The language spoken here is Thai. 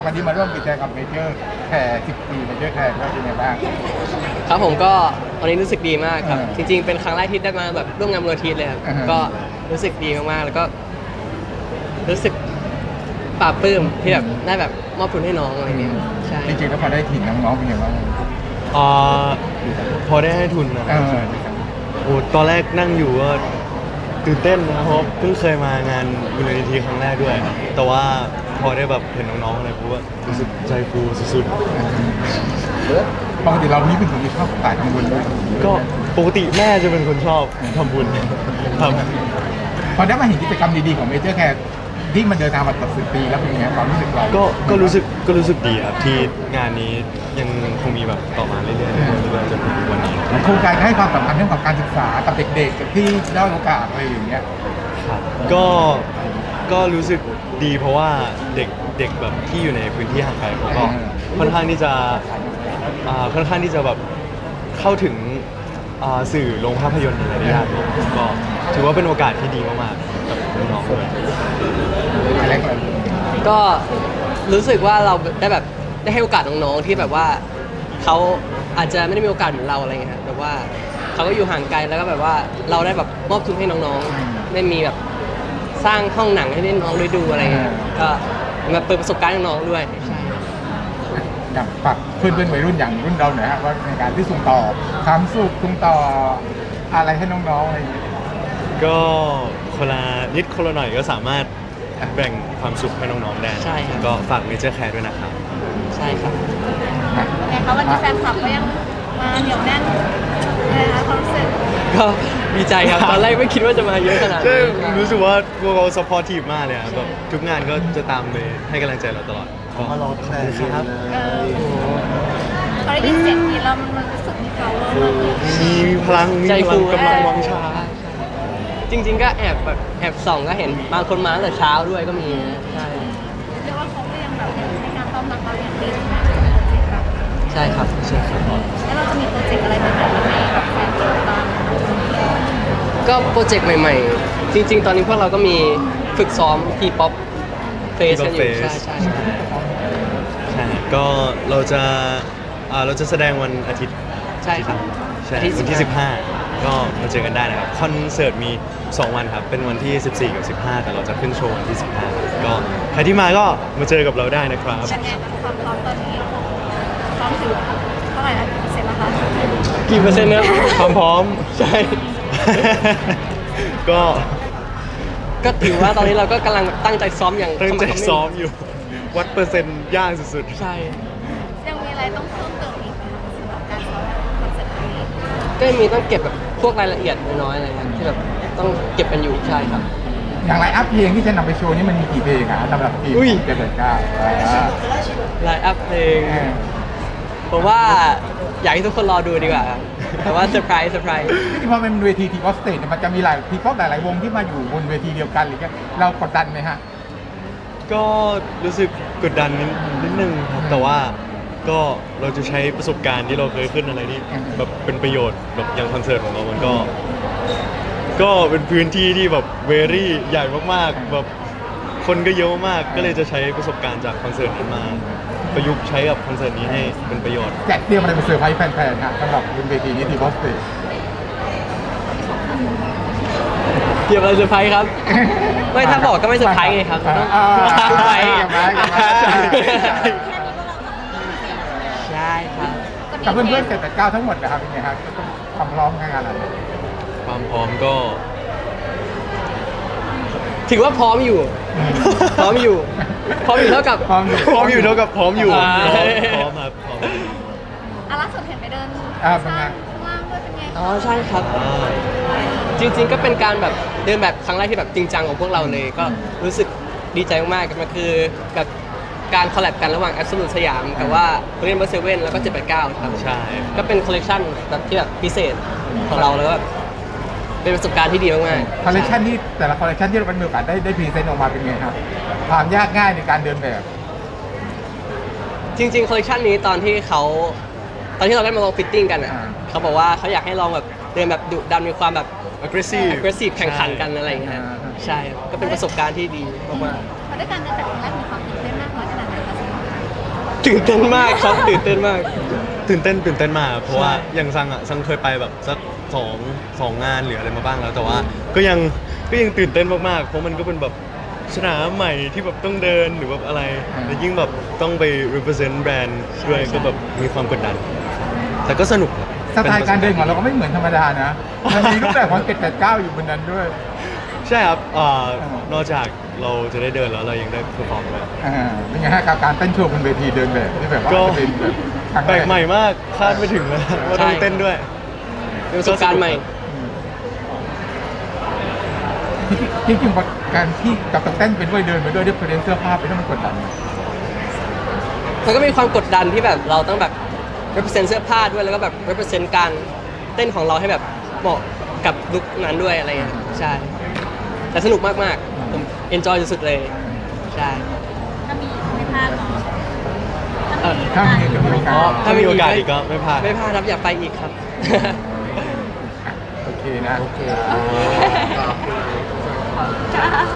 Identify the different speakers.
Speaker 1: วันนี้มาร่วมกิจกรรมกับเมเจอร์แคร์10 ปีเมเจอร์แคร์ว่าเป็นไงบ้าง
Speaker 2: ครับผมก็วันนี้รู้สึกดีมากครับจริงๆเป็นครั้งแรกที่ได้มาแบบร่วมงานมูลนิธิเลยครับก็รู้สึกดีมากๆแล้วก็รู้สึกปลาบปลื้มที่แบบได้แบบมอบทุนให้น้องอะไรเงี้ยใช่
Speaker 1: จริงๆแล้วพอได้ถิ่นน้องๆเป็นไงบ้าง
Speaker 3: อ่าพอได้ให้ทุนนะโอ้ตอนแรกนั่งอยู่ก็ตื่นเต้นนะเพราะเพิ่งเคยมางานมูลนิธิครั้งแรกด้วยแต่ว่าพอได้แบบเห็นน้องๆอะไรปุ๊บก็รู้สึกใจฟูสุด
Speaker 1: ปกติเรานี่เป็นคนที่ชอบสายทำบุญด้วย
Speaker 3: ๆก็ปกติแม่จะเป็นคนชอบทำบุญครับ
Speaker 1: พอได้มาเห็นกิจกรรมดีๆของเมเจอร์แคร์ที่มันเดินทางมาตลอด10 ปีแล้วเป็นไงความรู้สึกเรา
Speaker 3: ก็รู้สึกดีครับที่งานนี้ยังคงมีแบบต่อมาเรื่อยๆเรื่อยๆจนถึงวันนี้
Speaker 1: โครงการให้ความสำคัญเรื่องของการศึกษากับเด็กๆที่ด้อยโอกาสอะไรอย่างเงี้ย
Speaker 3: ครับก็รู้สึกดีเพราะว่าเด็กแบบที่อยู่ในพื้นที่ห่างไกลเขาก็ค่อนข้างที่จะแบบเข้าถึงสื่อโรงภาพยนตร์อะไรได้ยากก็ถือว่าเป็นโอกาสที่ดีมากๆกับน้องๆเลย
Speaker 2: ก็รู้สึกว่าเราได้แบบได้ให้โอกาสน้องๆที่แบบว่าเขาอาจจะไม่ได้มีโอกาสเหมือนเราอะไรเงี้ยครับแต่ว่าเขาก็อยู่ห่างไกลแล้วก็แบบว่าเราได้แบบมอบทุนให้น้องๆได้มีแบบสร้างห้องหนังให้น้องได้ดูอะไรเงี้ยก็มาเปิดประสบการณ์ให้น้องด้วยใช่
Speaker 1: อย่างฝากเพื่อนๆวัยรุ่นอย่างรุ่นเราหน่อยฮะว่าในการที่ส่งต่อความสุขส่งต่ออะไรให้น้องๆอะไรอย่างเงี้ย
Speaker 3: ก็คนละนิดคนละหน่อยก็สามารถแบ่งความสุขให้น้องๆได้
Speaker 2: ใช่ครับ
Speaker 3: ก็ฝากเมเจอร์แคร์ด้วยนะครับ
Speaker 2: ใช่ครับ
Speaker 4: ไงคะวันนี้แฟนคลับก็ยังมาเหนียวแน่นนะคะความรู้สึก
Speaker 2: ก็ดีใจครับตอนแรกไม่คิดว่าจะมาเยอะขนาดนี้
Speaker 3: รู้สึกว่าพวกเราซัพพอร์ตทีมมากเลยแบบทุกงานก็จะตามไปให้กำลังใจเราตลอด
Speaker 1: มารอตั้งแต่
Speaker 3: ครับ
Speaker 4: พอได้ยินเสียงนี้แล้วมันรู้สึกมี power
Speaker 3: มีพลังกำลังวังชา
Speaker 2: จริงๆก็แอบส่องก็เห็นบางคนมาตั้งแต่เช้าด้วยก็มีใช่
Speaker 4: เรียกว่าเขาก็ยังแบบในการต้อนรับเราอย่างดี
Speaker 2: ใช่ครับใช่ครับ
Speaker 4: แล้วเราจะมีโปรเจกต์อะไรใหม่ๆให้กับแฟนคลับบ้าง
Speaker 2: ก็โปรเจกต์ใหม่ๆจริงๆตอนนี้พวกเราก็มีฝึกซ้อมทีป๊อปเฟสกันอยู่ใช่
Speaker 3: ก็เราจะแสดงวันอาทิตย์
Speaker 2: ใช่ครับ
Speaker 3: ใช่วันที่15ก็มาเจอกันได้นะครับคอนเสิร์ตมี2วันครับเป็นวันที่14กับ15แต่เราจะขึ้นโชว์วันที่15ก็ใครที่มาก็มาเจอกับเราได้นะครับ
Speaker 4: เป็นไงความพร้อมตอนนี้พร้อมถึงเท่าไหร่แล้วเสร็จแล้วคะ
Speaker 2: กี่เปอร์เซ็นต์นะ
Speaker 3: ความพร้อม
Speaker 2: ใช่ ก็ถือว่าตอนนี้เราก็กำลังตั้งใจซ้อมอย่าง
Speaker 3: ตั้งใจซ้อมอยู่วัดเปอร์เซ็นต์ยากสุด
Speaker 2: ๆใช่
Speaker 4: ยังมีอะไรต้องเพิ่มเติมอีกไหมคะสำหรับการซ้อมคอนเสิร์ตครั้งนี้
Speaker 2: ก็มีต้องเก็บแบบพวกรายละเอียดน้อยๆอะไรเงี้ยที่แบบต้องเก็บกันอยู่ใช่ครับ
Speaker 1: อย่างไลน์อัพเพลงที่จะนำไปโชว์นี่มันมีกี่เพลงสำหรับทีมเจ็ดเก้า
Speaker 2: ไลน์อัพเพลงผมว่าอยากให้ทุกคนรอดูดีกว่าแต่ว่าเซอร์ไพรส์
Speaker 1: ที่พอเป็นเวทีทีออสเตดมันจะมีหลายทีป๊อปหลายๆวงที่มาอยู่บนเวทีเดียวกันหรือเรากดดันไหมฮะ
Speaker 3: ก็รู้สึกกดดันนิดนึงครับแต่ว่าก็เราจะใช้ประสบการณ์ที่เราเคยขึ้นอะไรนี่แบบเป็นประโยชน์แบบอย่างคอนเสิร์ตของเรามันก็เป็นพื้นที่ที่แบบเวรี่ใหญ่มากๆแบบคนก็เยอะมากก็เลยจะใช้ประสบการณ์จากคอนเสิร์ตนั้นมาประยุกต์ใช้กับคอนเสิร์ตนี้ให้เป็นประโยชน์
Speaker 1: แจกเตรียมอะไรไปเซอร์ไพรส์แฟนๆฮะสำหรับบนเวทีนี้ทีออสเตด
Speaker 2: เตรียมอะไรเซอร์ไพรส์ครับไม่ถ้าบอกก็ไม่เซอร์ไพรส์ไงครับต้องเซอร์ไพรส์ใช่ครับ
Speaker 1: กับเพื่อนๆ789ทั้งหมดนะครับเป็นไงครับความพร้อมงานอะไร
Speaker 3: ความพร้อมก็
Speaker 2: ถือว่าพร้อมอยู่เท่ากับ
Speaker 3: พร้อมอยู่ครับพร้อมครับ
Speaker 4: ล่าสุดเห็นไปเดินข้างล่างด้วยเป็นไง
Speaker 2: อ๋อใช่ครับจริงๆก็เป็นการแบบเดินแบบครั้งแรกที่แบบจริงจังของพวกเราเลยก็รู้สึกดีใจมากๆมันคือแบบการคอลแลบกันระหว่าง Absolute สยามกับว่าเรียนเบอร์7แล้วก็789ครับ
Speaker 3: ใช่
Speaker 2: ก็เป็นคอลเลคชันแบบที่แบบพิเศษของเราแล้วก็เป็นประสบการณ์ที่ดีมาก
Speaker 1: ๆคอลเลคชันที่แต่ละคอลเลคชันที่เราเป็นมือการได้พรีเซนต์ออกมาเป็นไงครับความยากง่ายในการเดินแบบ
Speaker 2: จริงๆคอลเลคชันนี้ตอนที่เราได้มาลองฟิตติ้งกันอ่ะเขาบอกว่าเขาอยากให้ลองแบบเดินแบบดุดันมีความแบบ aggressive แข่งขันกันอะไรอย่างเงี้ยใช่ก็เป็นประสบการณ์ที่ดีมาก
Speaker 4: ๆพอได้การเดินแบบครั้งแรกมีความตื่นเต้นมากน้อยขนาดไหนคะ
Speaker 2: ตื่นเต้นมากครับตื่นเต้นมาก
Speaker 3: ตื่นเต้นมากเพราะว่า
Speaker 2: ใช่
Speaker 3: อย่างซังเคยไปแบบสักสองงานหรืออะไรมาบ้างแล้วแต่ว่าก็ยังตื่นเต้นมากๆเพราะมันก็เป็นแบบสนามใหม่ที่แบบต้องเดินหรือแบบอะไรแล้วยิ่งแบบต้องไป represent แบรนด์ด้วยก็แบบมีความกดดัน แต่ก็สนุกครับ
Speaker 1: สไตล์การเดินของเราก็ไม่เหมือนธรรมดานะมันมีรูปแบบของ789อยู่บนนั้นด้วย
Speaker 3: ใช่ครับนอกจากเราจะได้เดินแล้วเรายังได้เพอร์ฟอร์มด้วย
Speaker 1: เป็นไงฮะกับการเต้นโชว์บนเวทีเดินแบบที่แบบว่า
Speaker 3: ก็
Speaker 1: จะเป็นแบบครั้ง
Speaker 3: แปล
Speaker 1: ร
Speaker 3: กใหม่มากคาดไม่ถึงเลยว่าต้องเต้นด้วย
Speaker 2: เป็นประสบการณ์ใหม่
Speaker 1: จริงๆการที่กับต้องเต้นไปด้วยเดินไปด้วยด้วยเพลงเสื้อผ้าไปด้วยมันกดดัน
Speaker 2: มันก็มีความกดดันที่แบบเราต้องแบบ represent เสื้อผ้าด้วยแล้วก็แบบ represent การเต้นของเราให้แบบเหมาะกับลุคนั้นด้วยอะไรเงี้ยใช่ แต่สนุกมากๆผม enjoy สุดๆเลยใช่
Speaker 4: ถ้ามีไม่พลาดเนาะ
Speaker 1: ถ้ามีโอกาส
Speaker 3: ถ้ามีโอกาสอีกก็ไม่พลาด
Speaker 2: ไม่พลาดครับอยากไปอีกครับ
Speaker 1: โอเคนะ
Speaker 4: ค่ะ